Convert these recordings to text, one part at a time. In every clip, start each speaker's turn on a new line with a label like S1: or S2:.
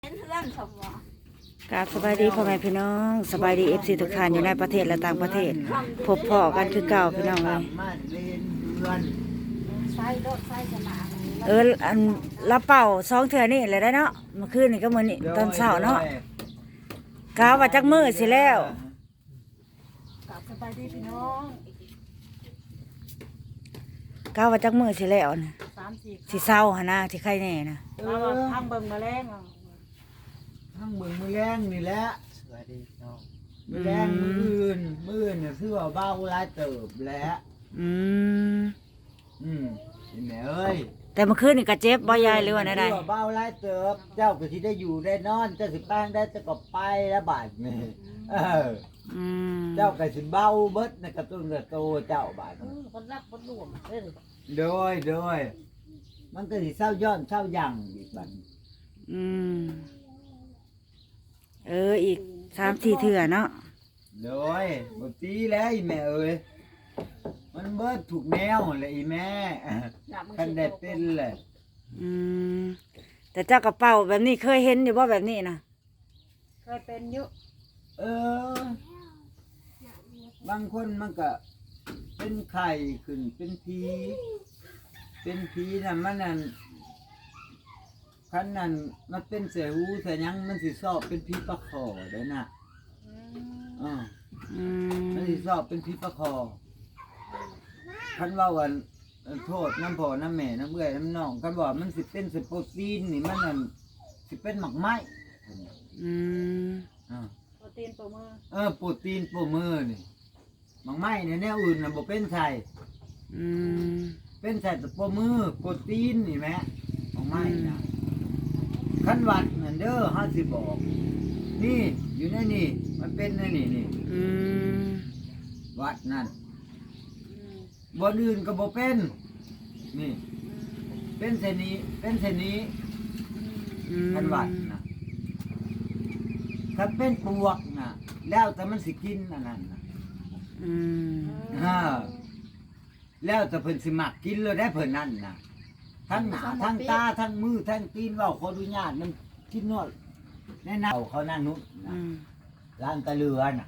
S1: กราบสบายดีพ่อแม่พี่น้องสบายดีFCทุกท่านอยู่ในประเทศและต่างประเทศพบพ่อกันคือเก่าพี่น้องเลยอันละเป่า2เทื่อนี่เลยได้เนาะเมื่อคืนนี่ก็มื้อนี้ตอนเช้าเนาะกะว่าจักมื้อสิแล้วกราบสบายดีพี่น้องกะว่าจักมื้อสิแล้วนะสิเศร้าหั่นนะที่ใครแน่นะ
S2: ทางเบิ่งแมลง
S3: ทั้งมือแรงนี่แหละสวัสดีน้องมือแรงมืออื่นเนี่ยคือว่าเบาหลายเติบแล้ว
S1: อืม
S3: เห็นไหมเอ้ย
S1: แต่เมื่อคืนนี่ก็เจ็บบ่ยายหรือว่าใด
S3: ๆเบาหลายเติบเจ้าก็สิได้อยู่ได้นอนเจ้าสิแป้งได้จะก็ไปแล้วบาดนี่เจ้าก็สิเบาเบิดในกระตุ้นกระโตเจ้าบาด
S2: คนรักคนรวม
S3: โดยมันก็สิเศร้าย้อนเศร้ายั่งอีกบัด
S1: อีก3-4เทื่อเนาะ
S3: โดยบ่ตีแล้วอีแม่เอ้ยมันเบิดถูกแนวเลยอีแม่คันได้เป็นเลย
S1: แต่เจ้ากระเป๋าแบบนี้เคยเห็นอยู่บ่แบบนี้นะ
S2: เคยเป็นอยู่
S3: บางคนมันก็เป็นไข่ขึ้นเป็นผีน่ะมันนั่นคันนั้นมันเป็นเสหูแต่ยังมันสิสอบเป็นผีปลาคอเด้อน่ะมันสิสอบเป็นผีปลาคอคันว่าวันโทษน้ำพ่อน้ำแม่น้ำเอื้อยน้ำน้องคันว่ามันสิเป็นสโปรตีนนี่มันนั่นสิเป็นหมักไม้
S2: โปรตีนโปรมือ
S3: โปรตีนโปรมือนี่หมักไม้เนี่ยแนวอื่นน่ะบ่เป็นไข่เป็นไข่แต่โปรมือโปรตีนนี่แม่หมักไม้นะคันวัดนั่นเด้อ5สิบอกนี่อยู่ในนี่มันเป็นในนี่วัดนั่นบ่อื่นก็บ่เป็นนี่เป็นเส้นนี้คันวัดนะคันเป็นปวกนะแล้วแต่มันสิกินอันนั้นนะแล้วแต่เพิ่นสิมักกินเลยได้เพิ่นนั่นนะทั้งหน้าทั้งตาทั้งมือทั้งตีนเว้าขออนุญาตมันกินนวดแน่นอนเขานั่นนู้นร้านตะเลือน่ะ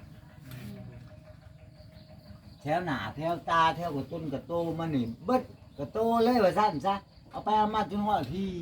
S3: แถวหน้าแถวตาแถวกระต้นกระโตมันนี่เบิดกระโตเลยว่าซั่นซะเอาไปเอามาจนฮอดพี่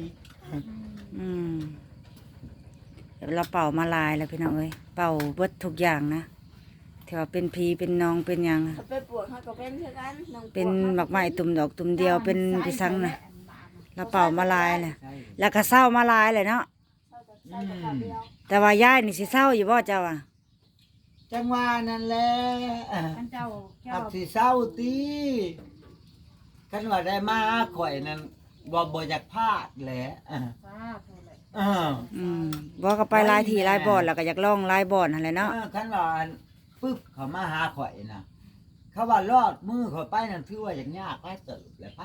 S1: เราเป่ามาลายแล้วพี่น้องเอ้ยเป่าเบิดทุกอย่างนะที่ว่าเป็นผีเป็นนองเป็นหยัง
S2: เป็นปวดเขาก็เป็นเช่นกัน
S1: เป็นหมักไม้ตุ่มดอกตุ่มเดียวเป็นพิซังนะเราเป่ามาลายเลยแล้วก็เศร้ามาลายเลยเนาะแต่ว่ายายนี่สิเศร้าอยู่บ่เจ้าอ่ะ
S3: จังหวะนั่นแหละอับสิเศร้าตีคันว่าได้มาข่อยนั่นบ่อยากพลาดแหละ
S1: บ่ก็ไปลายที่ลายบ่อนแล้วก็อยากลองลายบ่อนอะไรเนาะ
S3: คันว่าปึ๊บเขามาหาข่อยนะเขาว่ารอดมือข่อยไปนั่นถือว่าอย่างยากไปเติบแหละไป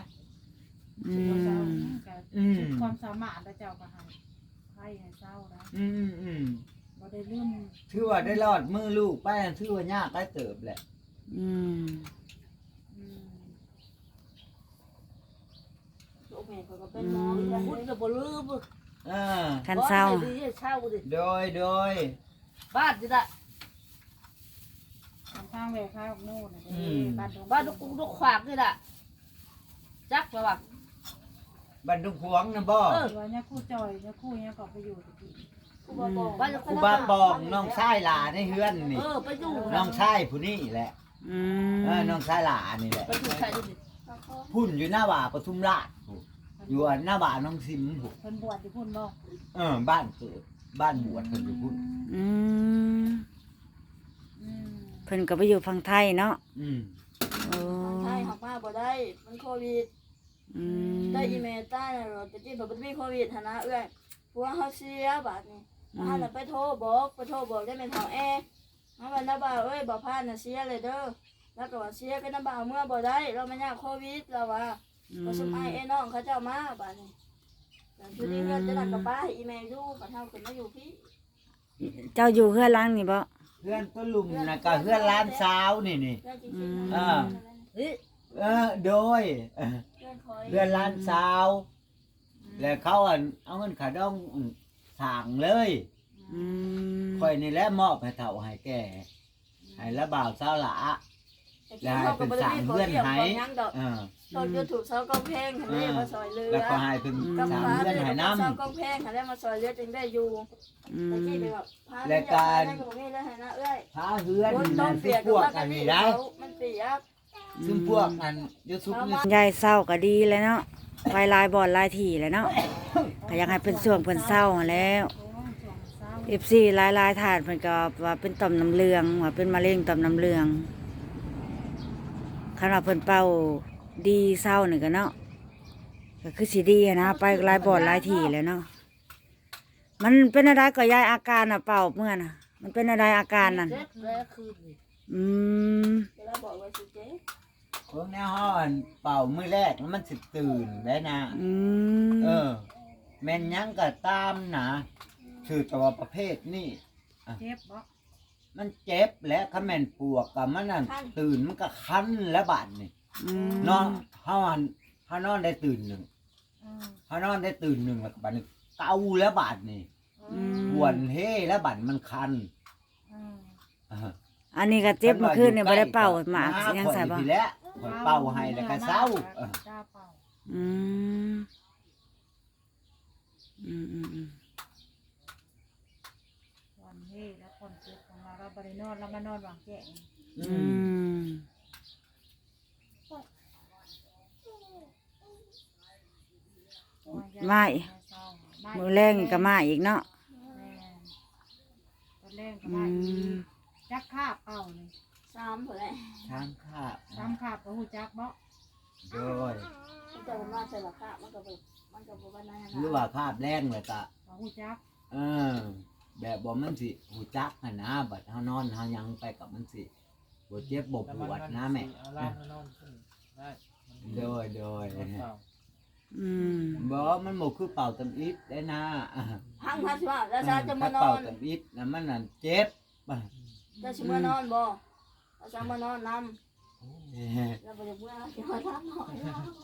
S2: ความสามารถเจ้าก็ให้เศร้านะบ่ได้ลืม
S3: ถือว่าได้รอดมือลูกไปนั่นถือว่ายากไปเติบแหละ
S2: ลูกแม่ก็เป็นหมอพูดก็บ่ลืม
S1: คันเศร้า
S3: โดย
S2: บ้านดิละทางแหวกข้าวโน่นบ้านลูกขวากนี่ละจักระวัง
S3: บ้านดุขวงนะบ่
S2: เนี่ยคู่จอยเนี่ยคู่เนี่ยก็ไปอยู่
S3: ครูบาปองน้องชายหลาในเฮือนนี่
S2: ไปอยู่
S3: น้องชายผู้นี้แหละน้องชายหลานี่แหละพุ่นอยู่หน้าบ่าปทุมราชอยู่หน้าบ่าน้องซิมผู้
S2: เพิ่นบวชที่พุ่นบ่
S3: บ้านเกิดบ้านบวชเพิ่นอยู่พุ่น
S1: เพิ่นก็ไปอยู่ฝั่งไทยเนาะ
S2: ไทยหักมาบ่ได้มันโควิดได้อีเมลใต้เราจะจิ้มแบบไม่โควิดนะเอ้ยเพราะว่าเขาเสียบาทนี่เราไปโทรบอกได้เป็นทางมาวันน้าบ่าวบอกพาน่ะเสียเลยเด้อแล้วก็ว่าเสียก็น้าบ่าวเมื่อบ่ได้เราไม่ยากโควิดเราว่าเราสมัยน้องเขาเจ้ามาบาทนี่ทีนี้เงินจะหนักกับป้าอีเมลดูกับเท่าคนมาอยู่พี่
S1: เจ้าอยู่เพื่อนล้างนี่บ่
S3: เพื่อนต้นลุมนะกับเพื่อนร้านสาวนี่โดยเพื่อนร้านสาวแล้วเขาเอาเงินขาดองสั่งเลย
S1: อืม
S3: ค่อยนี่แหละมอบให้เฒ่าให้แก่ให้ละบ่าวสาวหละ
S2: แต่
S3: แล้ว
S2: กิน
S3: ให้
S2: ข้าวกั
S3: เป็
S2: บ
S3: น
S2: บ่ได้
S3: สั่ง
S2: มี
S3: เพื่อน
S2: เกี่ยว
S3: ให้
S2: กับหยังดอก ตอนยูทูบเซากองเพลงหันได้มาซอยเรือ
S3: แล้วก็ให้เป็น
S2: กับ
S3: สั่ง
S2: พา
S3: เพื่อน
S2: ได้
S3: ให้
S2: กับ
S3: น้ำ
S2: เซากองเพลงหันได้มาซอยเรือจึงได้อยู่
S1: อื
S2: ตะ
S1: ม
S2: กี้ไปแบบพา
S3: และการ
S2: ได้กับนี่ได้ให้นะเอ้ย
S3: พาเฮือน
S2: คนต้
S3: นั่
S2: อง
S3: น
S2: เปี
S3: ที่
S2: ยก
S3: พวก
S2: กั
S3: อั
S2: น
S3: น
S2: นี่
S3: นี้
S2: ได้
S3: ได้
S2: มันเปียก
S3: ซึ่งพวกอันยูทูบนี่
S1: ยายเศร้าก็ดีแล้วเนาะไปหลายบ่อนหลายที่แล้วเนาะก็อยากให้เป็นช่วงเพิ่นเศร้าหั้นแล้ว FC หลายๆถาดเพิ่นก็ว่าเป็นต่อมน้ำเหลืองว่าเป็นมะเร็งต่อมน้ำเหลืองคันว่าเพิ่นเป่าดีเศร้านี่ก็เนาะก็คือสิดีหั้นนะไปหลายบ่อนหลายที่แล้วเนาะมันเป็นอะไรก็ยายอาการน่ะเป่าเมื่อน่ะมันเป็นอะไรอาการนั่น
S2: เจ็บแล้วคืน
S1: อืม
S2: เวลาบอกว่าสิเจ๊
S3: คนในห้องเป่ามื้อแรกแล้วมันสิตื่นได้นะ
S1: อืม
S3: แม่นหยังก็ตามนะคือตัวประเภทนี่
S4: เจ็บบ่
S3: มันเจ็บและคำแม่นปวกกับมันนั่นตื่นมันก็คันและบาดนี่
S1: อืม
S3: นอนเฮานอนได้ตื่นหนึ่ง
S4: อืม
S3: เฮานอนได้ตื่นหนึ่งแล้วก็บาดนี้เกาแล้วบาดนี่
S4: อืม
S3: ปวนเฮแล้วบาดมันคัน
S4: อืม
S3: อ่า
S1: อันนี้ก็เจ็บเมื่อคืนนี่บ่ได้เป่าหมากสิยังใส่บ่
S3: ทีแล้วข่อยเป่าให้แล้วก็เศร้าเออ
S4: จ้าเป่า
S1: อืมอืมอืมอืม
S4: วันเฮ้แล้วคนเจ็บของเราบริโนอนเรามานอนหวังแจ้ง
S3: อื
S1: อื
S3: ม
S1: ม ไม่มือแรงก็มาอีกเนาะ
S4: ตอนแรกก็
S1: อื
S4: มาอี
S1: ม
S4: กจักคาบเป่าเลย
S2: ซ้ำเผื่อแหละ
S3: ทางข้าบ
S4: ซ้ำคาบก็หูจักบ่
S3: โดย
S2: มันจะมาใส่ราคามันก็แบบมันก็บอกว่านั่น
S3: หรือว่าคาบแรงเลยก็
S4: ก็หูจัก
S3: เออแบบบ่มันสิหูจักหั่นนะบัดเฮานอนเฮายังไปกับมันสิบ่เจ็บบ่ปวดนะแม่
S5: เอาล่างมานอนขึ้นได้
S3: โดย
S5: นอนเปล่า
S1: อืม
S3: บ่มันบ่คือเป่าตำอิดได้นะอ่า
S2: พังพันสิว่าแล้วจะมา
S3: ถ้าน
S2: อ
S3: เป่าน ตำอิดนะมันนั่นเจ็บ
S2: จะชิมานอนบ่แล้วจะมานอนนำแล้วบ่จะเมื่อสิมาทำหน่อย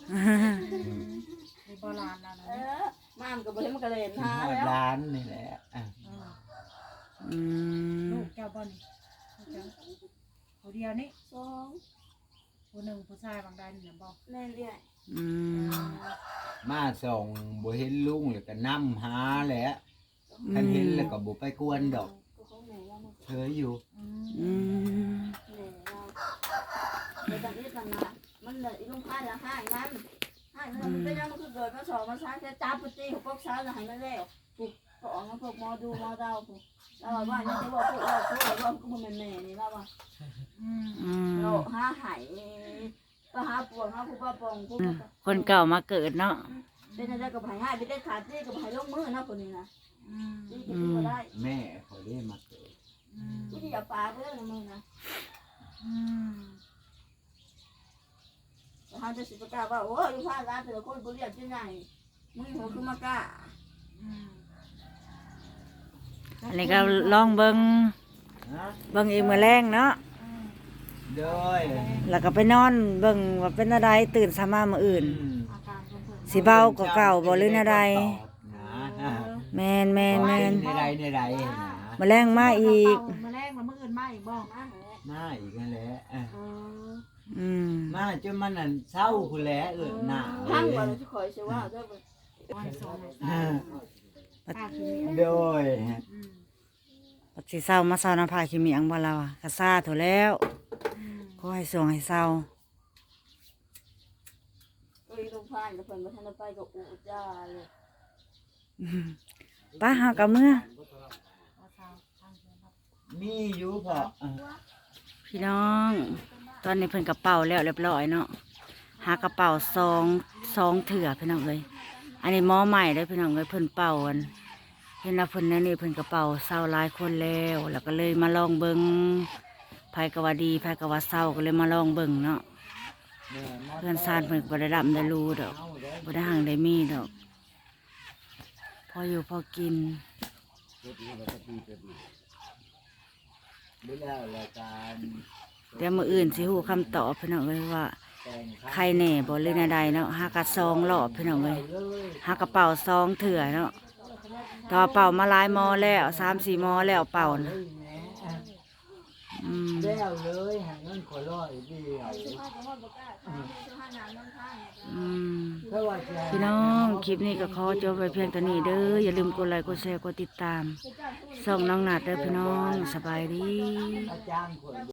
S4: ในโบราณแล้วนะ
S2: มามก็บ่เห็นมันก็เล่น
S3: ที่
S2: หา
S3: ฮอด
S2: แล้ว
S3: ร้านนี่แหละอ่ะ
S4: อืม
S1: อืม
S4: ลูกแก้วบอลผู้เดียวนี่
S2: สอง
S4: ผู้หนึ่งผู้ชายบางใดนี่นะบอก
S2: แม่เรียก
S1: อืม
S3: มาส่งบ่เห็นลุงแล้วก็นำหาแหละคันเห็นแล้วก็บ่ไปกวนดอก
S2: ก็ของแม่ว่ามัน
S3: เฉยอยู่
S4: อืม
S1: อืม
S2: แม่เราเดี๋ยวตอนนี้มันมามันเลยอีลุงพายละห้างนั้นมันเป็นยังมันคือเกิดมาสองมาซ้าแค่จับปตีของพวกซ้าจะให้มันแล้วปุ๊บก็ออกมาพวกหมอดูหมอเดาปุ๊บเราว่านี่จะบอกพวกเราก็มันแม่นี่เราว่า
S4: อืม
S1: อืม
S2: เราหาหายก็หาปวดหาผู้ป้าปองผู้
S1: คนเก่ามาเกิดเนาะ
S2: เป็นอะไรกับหายหายไปได้ขาดที่กับหายลงมือนะคนนี้นะ
S4: อืม
S2: ที่จะดูได้
S3: แม่เขาได้มาเกิด
S4: อืม
S2: ผู้ที่อย่าปาเพื่อนมือนะ
S4: อืม
S2: ทางจะสิบกาว่าโอ้ยพาร้านแต่ละคนบริยาที่ไหนมึงหัวคือมากา
S4: อืม
S1: อันนี้ก็ลองเบิ่ง
S3: ฮะ
S1: เบิ่งอีกมื้อแรงเนาะ
S4: อืม
S3: โดย
S1: แล้วก็ไปนอนเบิ่งว่าเป็นอะไรตื่นสามามื้ออื่น
S4: อาการเพิ่นเพิ่น
S1: สิเบากว่าเก่าบ่หรือแนวใด
S3: นะ
S1: แม่นแม่นแม่น
S3: ในใดในใดนะ
S1: มื้อแรงมาอีก
S4: มาแรงมามื้ออื่นมาอีกบ่
S2: มาเหรอ
S3: มาอีกนั่นแหละอ่ะ
S4: เออ
S1: อืม
S3: มาจนมันนั่นเศร้าพุ่นแหละหน้า
S2: พังกว่าเราจะคอยเชื่อว่าได้บ่
S4: วันสอง
S3: อ่า
S4: อาคิมิ
S3: โดย
S4: อืม
S1: ปัดสิเศร้ามาเศร้าน้ำพาขี้เมียงบ่เราอ่ะก็ซ่าโถแล้ว
S4: อืม
S1: ขอให้ส่งให้เศร้า
S2: ก็อีลุงพายกับเพิ่นบ่ทันไปก็อูจ้าเลย
S1: อืมป้าหากับเมื่อ
S4: ว่าทางทางเดินครับ
S3: มีอยู่พออ่ะ
S1: พี่น้อง ตอนนี้เพิ่นกระเป๋าแล้วเรียบร้อยเนาะหากระเป๋าซองเถื่อพี่น้องเลยอันนี้หม้อใหม่ได้อพี่น้องเลยเพิ่นเป่าอันเห็นว่าเพิ่นนั่นนี่เพิ่นกระเป๋าเศร้าหลายคนแล้วแล้วก็เลยมาลองเบิ่งไผก็ว่าดีไผก็ว่าเศร้าก็เลยมาลองเบิ่งเนาะเพื่อนซานเพิ่นก็บ่ได้รับได้รู้ดอกบ่ได้ห่างได้มีดอกพออยู่พอกิน
S3: ดูแล้วรายการ
S1: เดี๋ยวมื้ออื่นสิฮู้คำตอบพี่น้องเลยว่า
S3: แต่ง
S1: ใครแน่บ่หรือแนวใดเนาะหากระซองรอบพี่น้องเลยหากระเป๋าซองเถื่อเนาะ
S4: ม
S1: ต่อเป่ามาหลายหมอแล้ว3-4หมอแล้วเป่านะอืม
S3: แล้วเลยหาเงินขอร้อยเดียว
S2: เสื้อผ้าก็ฮอดบ่กล้าขายเสื้อผ้าหนาวน้ำข้างเนี่ย
S1: อืม
S3: เพราะว่าจะ
S1: พี่น้องคลิปนี้ก็ขอจบไปเพียงเท่านี้เด้ออย่าลืมกดไลค์กดแชร์กดติดตามส่องน้องนัดเด้อพี่น้องสบายดี
S3: อาจารย์คน